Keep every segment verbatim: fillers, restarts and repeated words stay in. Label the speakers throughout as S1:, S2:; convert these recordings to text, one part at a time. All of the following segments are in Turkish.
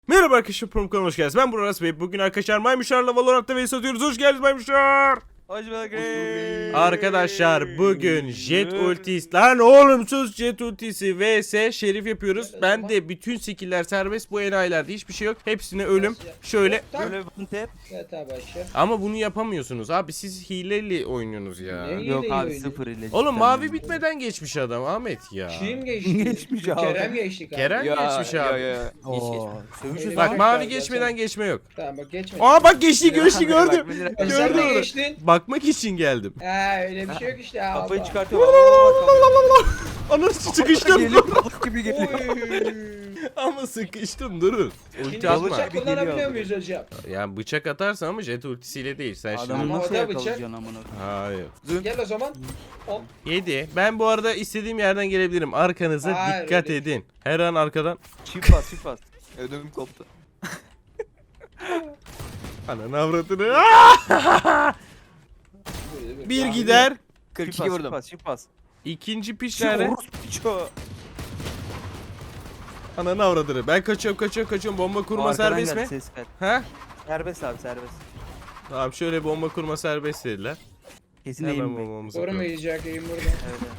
S1: Merhaba arkadaşlar, Prom kanalına hoş geldiniz. Ben Burak Bey. Bugün arkadaşlar Maymuşlar'la Valorant'ta vs atıyoruz. Hoş geldiniz Maymuşlar.
S2: Hoş bulduk.
S1: Arkadaşlar bugün Jet ultisi. Lan oğlum sus, Jet ultisi vs Şerif yapıyoruz. Ben de bütün skill'ler serbest, bu enayilerde hiçbir şey yok. Hepsine ölüm. Şöyle.
S2: Böyle one tap.
S3: Evet abi aşağı.
S1: Ama bunu yapamıyorsunuz abi, siz hileli oynuyorsunuz ya.
S3: Ne?
S2: Yok
S3: Yine
S2: abi
S3: iyi
S2: sıfır ile.
S1: Oğlum mavi bitmeden geçmiş adam Ahmet ya.
S3: Kim geçti?
S2: Geçmiş abi.
S3: Kerem geçti kanka.
S1: Kerem geçmiş abi.
S2: Oo, sövüşüz
S1: Bak
S3: Bak,
S1: mavi
S3: bak,
S1: geçmeden
S3: bak.
S1: geçme yok.
S3: Tamam bak geçme.
S1: Aa bak geçti, geçti gördüm.
S3: Sen
S1: gördüm
S3: de
S1: onu.
S3: geçtin.
S1: Bakmak için geldim.
S3: Ha öyle bir şey yok işte abi.
S2: Kafayı çıkartıyor.
S1: Anasını sıkıştım.
S2: Geliyor balık gibi geliyor.
S3: Oy.
S1: Ama sıkıştım, durun. Ulti
S3: Şimdi
S1: atma.
S3: bıçak
S2: Geliyor
S3: kullanabiliyor
S2: abi.
S3: muyuz hocam?
S1: Yani bıçak atarsan ama jet ultisiyle değil. Sen
S2: Adamı
S1: şimdi...
S3: Ama
S2: nasıl
S3: o da
S2: yakalayacaksın amına?
S1: Hayır.
S3: Gel o zaman. Hop.
S1: yedi. Ben bu arada istediğim yerden gelebilirim. Arkanıza
S3: Hayır,
S1: dikkat
S3: öyle
S1: edin. Her an arkadan.
S2: Çift bas çift bas. Ödümüm koptu.
S1: Ananı avradını. Bir gider.
S2: kırk iki vurdum. Çift bas çift bas.
S1: İkinci piç
S2: Çift
S1: nerede?
S2: orospu piço.
S1: Ananı avradını. Ben kaçıyorum kaçıyorum kaçıyorum. Bomba kurma
S2: Arkadan
S1: serbest
S2: geldi,
S1: mi?
S2: Ses ver.
S1: Ha?
S2: Serbest abi serbest.
S1: Tamam, şöyle bomba kurma serbest dediler.
S2: Kesin
S1: Hemen
S2: eğim bek.
S1: bombamızı kuralım.
S3: Korumayacak eğim burada.
S2: Evet.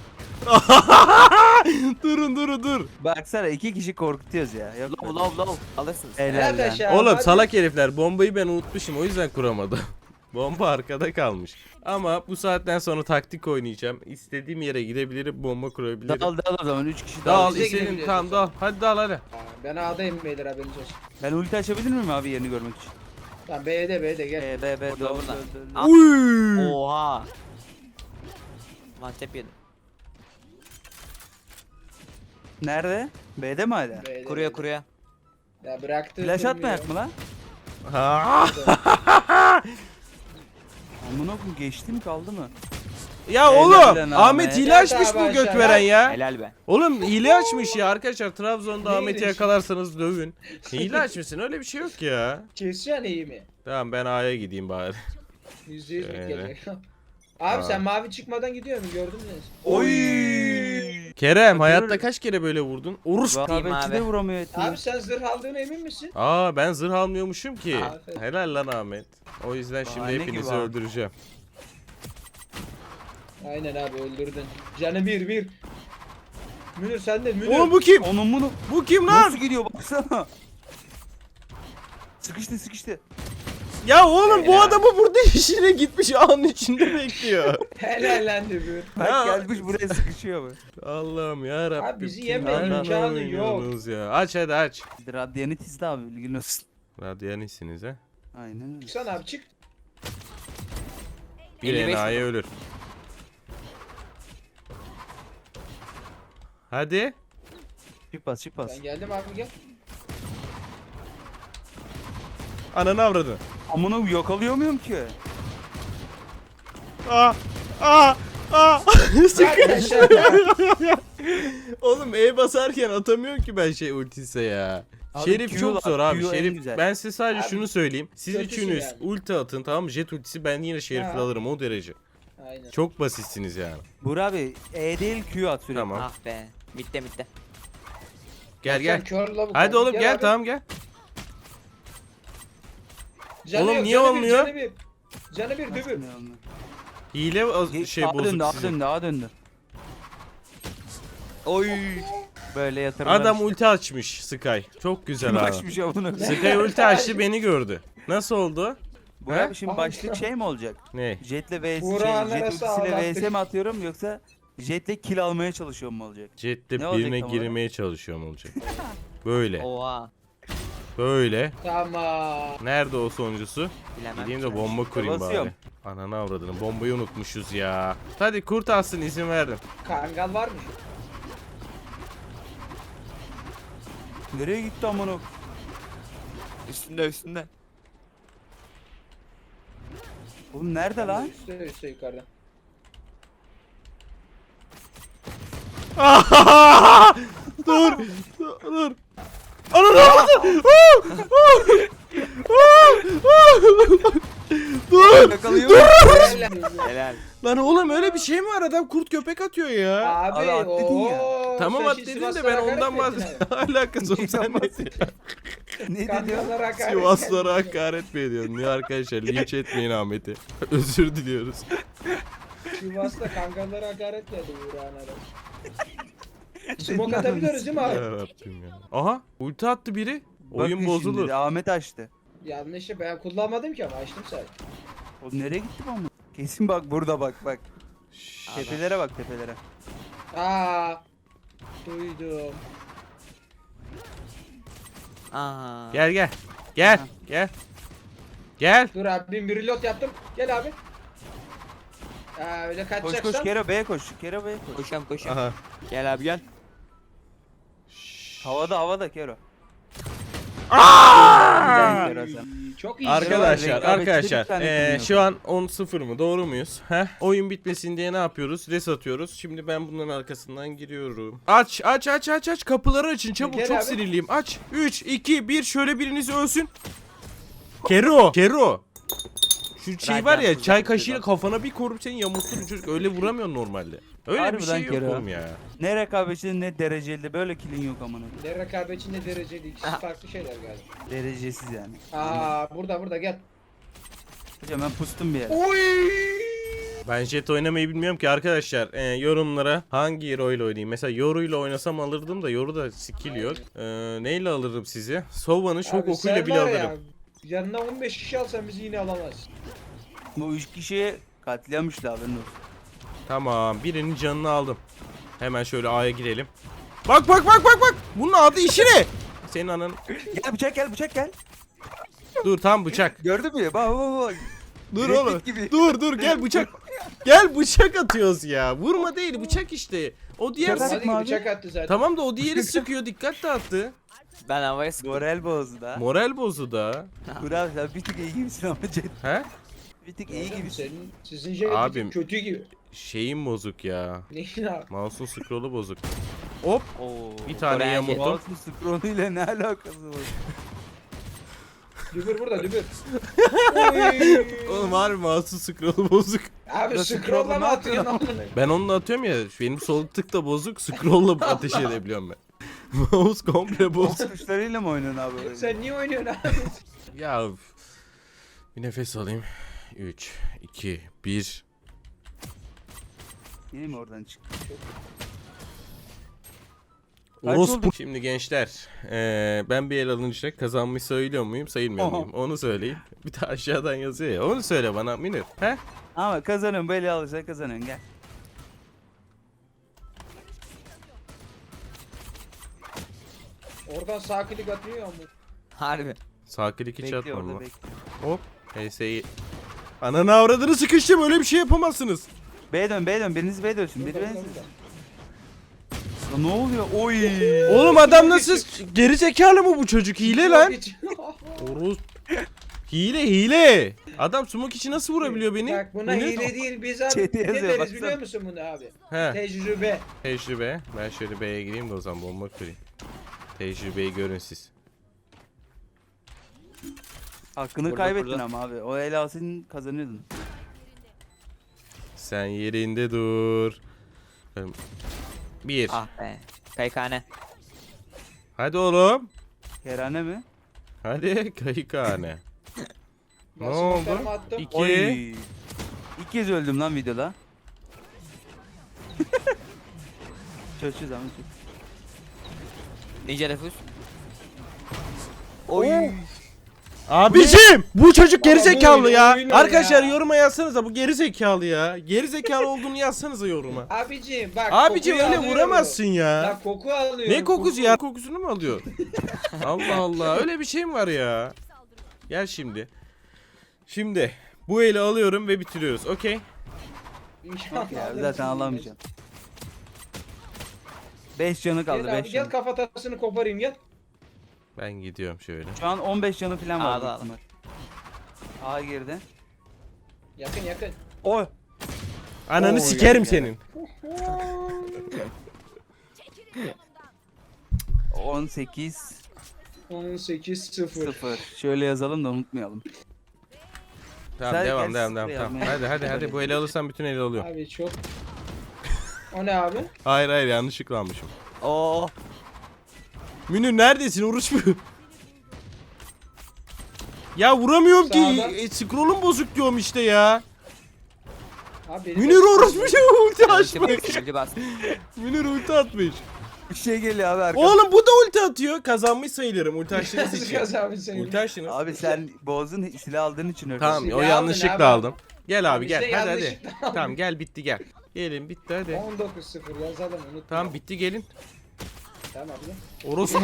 S1: Durun durun dur.
S2: Baksana iki kişi korkutuyoruz ya. Yok.
S4: Lov lov lov alırsınız.
S2: Helal
S3: Helal
S2: lan.
S3: aşağı.
S1: Oğlum
S3: hadi.
S1: salak herifler, bombayı ben unutmuşum, o yüzden kuramadım. Bomba arkada kalmış. Ama bu saatten sonra taktik oynayacağım. İstediğim yere gidebilirim, bomba kurabilirim.
S2: Dal dal o zaman üç kişi
S1: Dal,
S2: dal.
S3: Bize
S1: istediğim,
S3: gidebiliriz
S1: tamam
S3: o
S1: dal. Hadi dal hadi.
S3: Ha, Ben A'dayım beyler haberiniz olsun.
S2: Ben ulti açabilir miyim abi yerini görmek için?
S3: Tamam B'de B'de gel.
S2: B B B
S4: Burada,
S2: dol
S4: burada.
S2: dol dol.
S1: Uy!
S4: Oha. Mantep yedim.
S2: Nerede? B'de mi hala?
S3: B'de,
S4: Kuruya
S3: B'de.
S4: kuruya.
S3: Ya bıraktı.
S2: Flash
S3: durmuyor.
S2: atmayak mı lan?
S1: Ha.
S2: Amına koyayım geçti mi kaldı mı?
S1: Ya
S2: Helal
S1: oğlum,
S2: lan
S1: Ahmet
S2: Ahmet.
S1: hile
S3: Evet
S1: açmış
S3: abi,
S1: bu göt
S3: aşağı.
S1: veren ya.
S4: Helal be.
S1: Oğlum hile açmış ya arkadaşlar, Trabzon'da
S3: Ne
S1: Ahmet'i
S3: hilesi?
S1: yakalarsanız dövün. Hile açmışsın, öyle bir şey yok ya.
S3: Keseceksin iyi mi?
S1: Tamam, ben A'ya gideyim bari.
S3: Yüzde yüz
S1: Şöyle.
S3: gelecek. Abi
S1: Aa.
S3: sen mavi çıkmadan gidiyor mu gördün mü?
S2: Oy!
S1: Kerem,
S2: Bakıyorum.
S1: hayatta kaç kere böyle vurdun? Urus.
S4: Diyeyim
S2: Rekabetçi
S4: abi.
S2: de vuramıyor etmiyor.
S3: Abi sen zırh aldığına emin misin?
S1: Aa, ben zırh almıyormuşum ki.
S3: Aferin.
S1: Helal lan Ahmet. O yüzden şimdi
S2: Bahane
S1: hepinizi
S2: gibi abi.
S1: öldüreceğim.
S3: Aynen abi öldürdün. Canı bir bir. Münir sen de Münir.
S1: Oğlum bu kim?
S2: Onun bunu
S1: Bu kim lan?
S2: nasıl gidiyor baksana. Sıkıştı sıkıştı.
S1: Ya oğlum bu
S3: Helal.
S1: adamı burada işine gitmiş, ağın içinde bekliyor.
S3: Helal lan Münir.
S2: Bak
S1: Ya.
S2: gelmiş buraya sıkışıyor bu.
S1: Allah'ım ya Rabbim.
S3: Abi bizi yeme
S2: imkanı
S3: yok.
S1: Ya. Aç hadi aç.
S2: Radyanit izle abi bilgin olsun.
S1: Radyanisiniz ha.
S2: Aynen öyle.
S3: Çıksana abi çık.
S1: Bir
S4: elli beş
S1: enayi
S4: vurdum.
S1: ölür. Hadi.
S2: Çift bas çift bas.
S3: Ben geldim abi gel.
S1: Ananı avradın.
S2: Amına yakalıyor muyum ki?
S1: Aa! Aa! Aa!
S3: Arkadaşlar ya.
S1: Oğlum E basarken atamıyorum ki ben şey ultise ya.
S2: Abi
S1: Şerif
S2: Q
S1: çok
S2: var,
S1: zor abi.
S2: Q en
S1: Şerif,
S2: güzel.
S1: ben size sadece
S3: Abi,
S1: şunu söyleyeyim. Siz
S3: kötüsün
S1: üçünüz
S3: yani.
S1: ulti atın, tamam mı? Jet ultisi, ben yine Şerif'i
S3: Ha.
S1: alırım o derece.
S3: Aynen.
S1: Çok basitsiniz yani.
S2: Burak abi E değil Q at sürekli.
S1: Tamam.
S4: Ah be. Bitti bitti.
S1: Gel
S3: Sen
S1: gel.
S3: kör lavuk
S1: Hadi
S3: abi.
S1: oğlum gel,
S3: abi.
S1: tamam gel.
S3: Canı
S1: Oğlum
S3: yok,
S1: niye
S3: canı
S1: olmuyor?
S3: Bir, canı bir. Canı bir dübür.
S1: Hile o-
S2: Ge-
S1: şey
S2: A
S1: bozuk
S2: döndü A
S1: sizin.
S2: döndü A döndü. Oy. Böyle yatırımlar.
S1: Adam
S2: işte.
S1: ulti açmış Sky. Çok güzel
S2: Kim
S1: abi.
S2: açmış ya bunu?
S1: Sky ulti açtı, beni gördü. Nasıl oldu?
S2: Burak
S1: He?
S2: abi şimdi başlık şey mi olacak?
S1: Ne?
S2: Jetle vs
S3: Burak'ın
S2: şey, jet
S3: arası
S2: ultisiyle
S3: ağlattık.
S2: vs mi atıyorum yoksa jetle kill almaya çalışıyorum mu olacak?
S1: Jet'te
S2: Ne olacak
S1: birine
S2: tam olarak?
S1: girmeye çalışıyorum olacak. Böyle.
S4: Oha.
S1: Böyle.
S3: Tamam.
S1: Nerede o sonuncusu?
S4: Bilemem.
S1: Gideyim de bomba kurayım bari.
S2: Basıyorum.
S1: Ananı avradını, bombayı unutmuşuz ya. Hadi kurt alsın, izin verdim.
S3: Kangal var mı?
S2: Nereye gitti amına?
S4: Üstünde üstünde.
S2: Oğlum nerede lan?
S3: Üstte üstte yukarıda.
S1: dur. Dur. Ananı avradını. Dur.
S2: Yakalıyor.
S3: Helal.
S4: Helal.
S1: Lan oğlum öyle bir şey mi var? Adam kurt köpek atıyor ya.
S3: Abi,
S2: Abi at dedin ya.
S3: ooo,
S1: Tamam
S3: sen
S1: at
S3: şimdi
S1: dedin de
S3: Sivaslara
S1: ben ondan
S3: hakaret ettin
S1: bahsediyorum. Alakası yok, sen ne diyorsun?
S2: Ne dedi?
S3: Kankalara hakaret
S1: Sivaslara
S3: geldi.
S1: hakaret mi ediyorsun? Niye arkadaşlar? Linç etmeyin Ahmet'i. Özür diliyoruz.
S3: Sivas'ta kankalara hakaret geldi Uğurhan'a. Smoke atabiliyoruz değil mi abi?
S1: Yarabbim ya. Aha ulti attı biri.
S2: Bakın
S1: Oyun
S2: şimdi,
S1: bozulur.
S2: Ahmet açtı.
S3: Yanlışı ben kullanmadım ki ama açtım sadece.
S2: O nereye gitti bu? Kesin bak burada bak bak. Tepelere bak tepelere.
S3: Aa, duydum.
S4: Aha.
S1: Gel gel. Gel.
S2: Aha.
S1: Gel. Gel.
S3: Dur abi bir reload yaptım. Gel abi. Aa, öyle
S2: Koş
S3: kaçacaksan.
S2: koş Kero B'ye koş. Kero B'ye koş.
S4: Koşuyorum koşuyorum.
S1: Aha.
S4: Gel abi gel.
S2: Havada havada Kero.
S1: Aa!
S2: Kero sen.
S3: Çok iyi.
S1: Arkadaşlar,
S2: Rekabetçi
S1: arkadaşlar,
S2: bir tane
S1: eee,
S2: kullanıyor.
S1: şu an on sıfır mı? Doğru muyuz? Heh. Oyun bitmesin diye ne yapıyoruz? Res atıyoruz. Şimdi ben bunların arkasından giriyorum. Aç, aç, aç, aç, aç. Kapıları açın. Çabuk,
S3: Gel
S1: çok
S3: abi.
S1: sinirliyim. Aç. üç, iki, bir. Şöyle biriniz ölsün. Kero, Kero. Şu şey
S4: Rahat
S1: var ya,
S4: yapsın,
S1: çay
S4: yapsın.
S1: kaşığıyla kafana bir korup seni yamultur çocuk. Öyle vuramıyorsun normalde. Öyle bir
S2: Harbiden
S1: şey yok
S2: Kero.
S1: oğlum ya.
S2: Ne rekabetçi ne dereceli böyle kilin yok amına.
S3: Ne rekabetçi ne dereceli ikisi
S4: Aha.
S3: farklı şeyler galiba.
S2: Derecesiz yani.
S3: Aa, burada burada gel.
S2: Hocam ben pustum bir yere.
S3: Oy!
S1: Ben jet oynamayı bilmiyorum ki arkadaşlar. Ee, yorumlara hangi hero ile oynayayım? Mesela Yoru ile oynasam alırdım da Yoru da skill yok. Ee, neyle alırım sizi? Sova'nın şok
S3: Abi
S1: okuyla
S3: sen
S1: bile
S3: var ya,
S1: alırım.
S3: yanına on beş kişi alsan bizi yine alamaz.
S2: Bu üç kişiye katliammıştı haberin olsun.
S1: Tamam, birinin canını aldım. Hemen şöyle A'ya girelim. Bak bak bak bak bak. Bunun adı işi ne? Senin ananın.
S2: Gel bıçak gel bıçak gel.
S1: Dur tam bıçak.
S2: Gördün mü? Bak bak bak.
S1: Dur
S2: Red
S1: oğlum.
S2: Dead gibi.
S1: Dur dur gel bıçak. Gel bıçak atıyoruz ya. Vurma değil bıçak işte. O diğer
S2: Bıçak
S1: sık.
S3: Hadi
S2: abi.
S3: bıçak attı zaten.
S1: Tamam da o diğeri sıkıyor, dikkat dağıttı.
S4: Ben havaya sıktım.
S2: Moral bozdu da.
S1: Moral bozu da.
S2: Kural sen bir tık iyi gibisin ama Cet.
S1: He?
S2: Bir tık iyi
S3: Oğlum,
S2: gibisin.
S3: Senin, sizin şey
S1: Abim.
S3: kötü gibi.
S1: Şeyim bozuk ya.
S3: Neyin abi?
S1: Mouse'un scroll'u bozuk. Hop.
S2: Oo.
S1: Bir tane
S4: Koreyen
S1: yamuldu.
S2: Mouse'un scroll'u ile ne alakası var?
S3: Dübür burada dübür. Oy!
S1: Oğlum harbi mouse'un scroll'u bozuk.
S3: Abi
S2: Nasıl
S3: scroll'la mı
S2: scroll'la
S3: atıyorsun amına?
S1: Ben onunla atıyorum ya. Benim sol tık da bozuk. Scroll'la ateş edebiliyorum ben. Mouse komple bozuk.
S2: Mouse tuşlarıyla mı oynuyorsun abi? öyle?
S3: Sen niye oynuyorsun abi?
S1: Ya üf. Bir nefes alayım. üç, iki, bir.
S2: Yine mi oradan çık? Kaç
S1: Orospu.
S2: oldu?
S1: Şimdi gençler, eee, ben bir el alınca kazanmış sayılıyor muyum, sayılmıyor
S2: Oha.
S1: muyum? Onu söyleyin. Bir de aşağıdan yazıyor ya. Onu söyle bana Münir. He?
S2: Ama kazanıyorum böyle alırsan kazanıyorsun gel.
S3: Oradan sağ klik atıyor ama.
S4: Harbi.
S1: Sağ klik hiç
S2: Bekle
S1: atmam
S2: orada
S1: lan.
S2: bekle.
S1: Hop. H S'yi. Ananı avradını sıkıştım, öyle bir şey yapamazsınız.
S2: B'ye dön B'ye dön biriniz B'ye dönsün biri
S3: Burada,
S2: B'ye
S3: burada,
S2: dönsün.
S3: burada.
S2: Ne oluyor? Oy.
S1: Oğlum adam nasıl geri zekalı mı bu çocuk? Hile lan.
S3: Hiç-
S1: Oros. Hile hile. Adam smoke içi nasıl vurabiliyor beni?
S3: Bak buna
S1: Münir?
S3: hile değil biz abi.
S2: Chat'e
S3: Ne
S2: yazıyor,
S3: deriz
S2: baksana.
S3: biliyor musun bunu abi?
S1: He.
S3: Tecrübe.
S1: Tecrübe. Ben şöyle B'ye gireyim de o zaman bomba kırayım. Tecrübeyi görün siz.
S2: Hakkını
S4: Burada,
S2: kaybettin
S4: burada.
S2: ama abi. O el alsın kazanıyordun.
S1: Sen yerinde dur. Bir.
S4: Ah be. Kayıkhane.
S1: Hadi oğlum.
S2: Kerane mi?
S1: Hadi kayıkhane.
S3: Ben
S1: Ne
S3: smoke'larımı
S1: oldu?
S3: attım.
S1: İki.
S2: Oy. İlk kez öldüm lan videoda. Çözeceğiz ama çöz.
S4: Ninja defus.
S2: Oy.
S1: Abicim bu çocuk geri
S3: Baba, bu
S1: zekalı
S3: oyun,
S1: ya.
S3: oyun
S1: Arkadaşlar
S3: ya.
S1: yoruma yazsanıza bu geri zekalı ya. Geri zekalı olduğunu yazsanıza yoruma.
S3: Abicim bak
S1: Abicim
S3: kokuyu
S1: öyle
S3: alıyorum.
S1: vuramazsın ya.
S3: Ya koku alıyorum.
S1: Ne kokusu ya? Kokusunu mu alıyor? Allah Allah öyle bir şey mi var ya? Gel şimdi. Şimdi bu eli alıyorum ve bitiriyoruz. Okey.
S3: İnşallah
S2: Ya
S3: alırsın.
S2: zaten alamayacağım. beş canı kaldı
S3: Gel abi
S2: beş
S3: gel
S2: canı.
S3: kafatasını koparayım gel.
S1: Ben gidiyorum şöyle.
S2: Şu an on beş canı falan var.
S4: Al, al.
S2: büyük ihtimal. A girdi.
S3: Yakın yakın.
S2: Oy.
S1: Ananı
S2: Oo,
S1: sikerim
S2: geldi,
S1: senin.
S2: on sekiz
S3: on sekiz sıfır.
S2: sıfır. Şöyle yazalım da unutmayalım.
S1: Tamam
S2: Sen
S1: devam
S2: gel,
S1: devam
S2: sıfır
S1: devam tamam.
S2: yazmaya.
S1: Hadi hadi hadi bu eli alırsan bütün eli alıyorum.
S3: Abi çok. O ne abi?
S1: Hayır hayır yanlışlıkla almışım.
S4: Oo.
S1: Münir neredesin oruç mu? Ya vuramıyorum ki.
S3: Sağdan.
S1: E, scroll'um bozuk diyorum işte ya.
S3: Abi benim
S1: Münir orospu şey ulti
S4: Ulti
S1: açmış.
S4: bas, ulti bas.
S1: Münir ulti atmış.
S2: Bir şey geliyor abi arkadan.
S1: Oğlum bu da ulti atıyor. Kazanmış sayılırım ulti açtığınız
S3: Nasıl
S1: için.
S3: kazanmış seni?
S1: Ulti açtınız.
S2: Abi sen boğazın silah aldığın için öyle.
S1: Tamam
S3: Silah
S1: o
S3: aldın
S1: yanlışlıkla
S3: abi.
S1: aldım. Gel abi
S3: Abi
S1: gel
S3: işte
S1: hadi hadi.
S3: yanlışlıkla aldın.
S1: Tamam gel bitti gel. Gelin bitti hadi.
S3: on dokuz sıfır yazalım unutma.
S1: Tamam bitti gelin.
S3: Tamam abi.
S1: Orospu.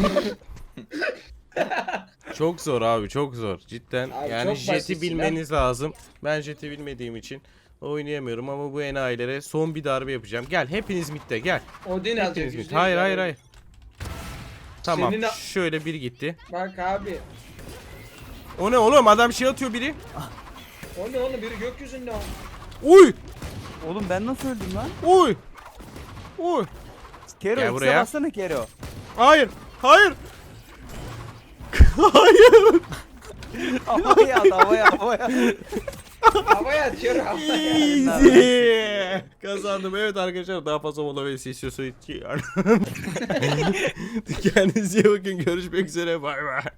S1: Çok zor abi çok zor cidden.
S3: Abi
S1: Yani
S3: çok
S1: jeti
S3: basitsin
S1: bilmeniz lazım. Ben jeti bilmediğim için oynayamıyorum ama bu enayilere son bir darbe yapacağım. Gel hepiniz midde gel.
S3: Odin alacak.
S1: Hepiniz mid.
S3: yüzde
S1: Hayır
S3: yüz
S1: hayır
S3: abi.
S1: hayır. Tamam
S3: Senin a-
S1: şöyle bir gitti.
S3: Bak abi.
S1: O ne oğlum adam şey atıyor biri.
S3: O ne oğlum biri gökyüzünde o.
S1: Uy
S2: Oğlum ben nasıl öldüm lan?
S1: uy. Uy.
S2: Kero
S1: Gel
S2: X'e
S1: buraya.
S2: bassana Kero.
S1: Hayır. Hayır. Hayır.
S2: Havaya at havaya havaya.
S3: Havaya atıyor havaya.
S1: Easy. Kazandım. Evet arkadaşlar daha fazla mola ve istiyorsanız kendinize iyi bakın. Görüşmek üzere. Bay bay.